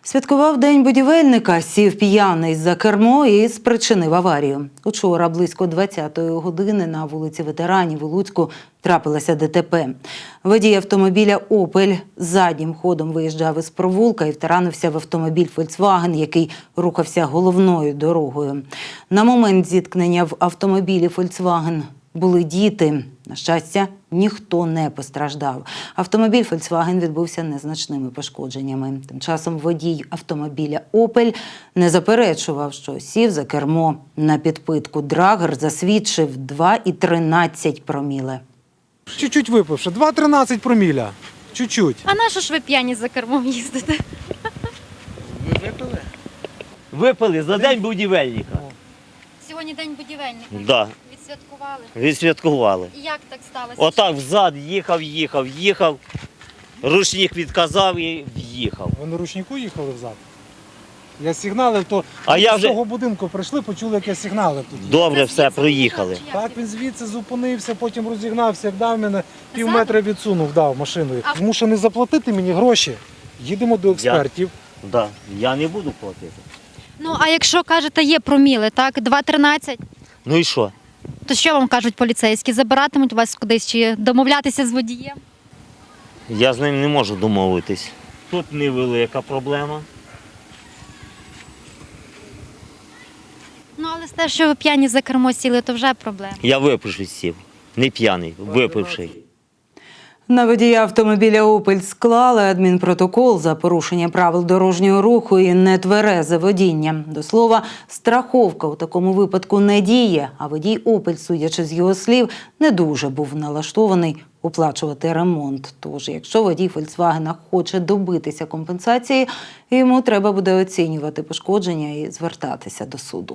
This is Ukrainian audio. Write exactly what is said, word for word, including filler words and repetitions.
Святкував День будівельника, сів п'яний за кермо і спричинив аварію. Учора близько двадцятої години на вулиці Ветеранів у Луцьку трапилося ДТП. Водій автомобіля «Опель» заднім ходом виїжджав із провулка і втаранився в автомобіль «Фольксваген», який рухався головною дорогою. На момент зіткнення в автомобілі «Фольксваген» були діти. На щастя, ніхто не постраждав. Автомобіль «Фольксваген» відбувся незначними пошкодженнями. Тим часом водій автомобіля «Опель» не заперечував, що сів за кермо на підпитку. Драгер засвідчив два і тринадцять проміле. Чуть-чуть випивши, два тринадцять проміля. Чуть-чуть. А на що ж ви п'яні за кермом їздите? Ви випили? Випили за день будівельника. Сьогодні день будівельника. Да. Відсвяткували. Відсвяткували. І як так сталося? Отак взад їхав, їхав, їхав. Ручник відказав і в'їхав. Ви на ручнику їхали взад? Я сигналив, то А з я вже- того будинку прийшли, почули, як я сигналив тут. Добре, Це все, звідси проїхали. їхав, чи як? Так, він звідси зупинився, потім розігнався, як дав мене, пів Ззаду? метра відсунув, дав машиною. А- Змушений заплатити мені гроші. Їдемо до експертів. Да. Я не буду платити. Ну, а якщо, кажете, є проміли, так, два тринадцять, Ну і що? то що вам кажуть поліцейські? Забиратимуть вас кудись чи домовлятися з водієм? Я з ним не можу домовитись. Тут невелика проблема. Ну, але з те, що ви п'яні за кермо сіли, то вже проблема. Я випивши сів. Не п'яний, випивший. На водія автомобіля «Опель» склали адмінпротокол за порушення правил дорожнього руху і нетверезе водіння. До слова, страховка у такому випадку не діє, а водій «Опель», судячи з його слів, не дуже був налаштований оплачувати ремонт. Тож, якщо водій «Фольксвагена» хоче добитися компенсації, йому треба буде оцінювати пошкодження і звертатися до суду.